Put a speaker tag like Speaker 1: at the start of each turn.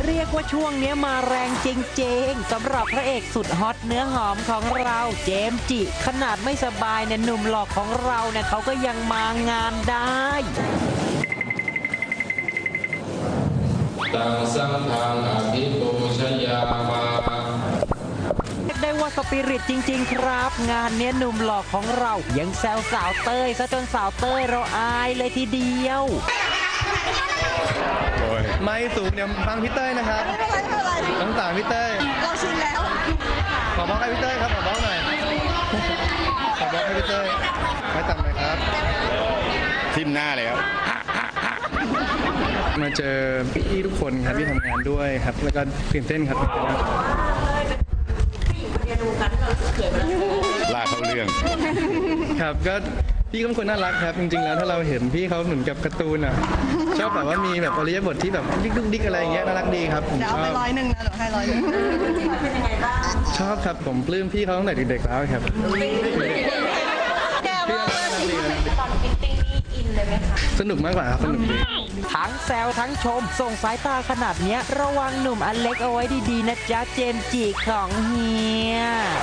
Speaker 1: เรียกว่าช่วงนี้มาแรงจริงๆสำหรับพระเอกสุดฮอตเนื้อหอมของเราเจมส์จิขนาดไม่สบายเนี่ยหนุ่มหล่อของเราเนี่ยเขาก็ยังมางานได้
Speaker 2: ตังสังฆังอภิปูชยามา
Speaker 1: เรียกได้ว่าสปิริตจริงๆครับงานเนี้ยหนุ่มหล่อของเรายังแซวสาวเต้ยซะจนสาวเต้ยเราอายเลยทีเดียว
Speaker 3: ไม่สูงเดี๋ยวฟังพี่เต้ยนะครับไม่เป็นไรต้องต่างพี่เต้ย
Speaker 4: เราชินแล้ว
Speaker 3: ขอบล็อกให้พี่เต้ยครับขอบล็อกหน่อยขอบล็อกให้พี่เต้ยไม่ต่ำเลยครับ
Speaker 5: ทิมหน้าเลยครับ
Speaker 3: มาเจอพี่ทุกคนครับที่ทำงานด้วยครับแล้วก็ตื่นเต้นครับ
Speaker 5: ลากเข้าเรื่อง
Speaker 3: ครับก็พี่เขาเป็นคนน่ารักครับจริงๆแล้วถ้าเราเห็นพี่เขาเหมือนกับการ์ตูนอ่ะชอบแบบว่ามีแบบอริยบทที่แบบดิ๊กดุ๊กดิ๊กอะไรอย่างเงี้ยน่ารักดีครับ
Speaker 4: เดี๋ยวเอาไป100นะเดี๋ยวให้100เป็นยังไงบ้าง
Speaker 3: ชอบครับผมปลื้มพี่เขาตั้งแต่เด็กๆแล้วครับ
Speaker 4: แกว่าตอนฟิตติ้งนี่อินเลยไหมคะ
Speaker 3: สนุกมากกว่าครับสนุกดี
Speaker 1: ทั้งแซวทั้งชมส่งสายตาขนาดเนี้ยระวังหนุ่มอเล็กเอาไว้ดีๆนะจ๊ะเจมส์จิของเฮีย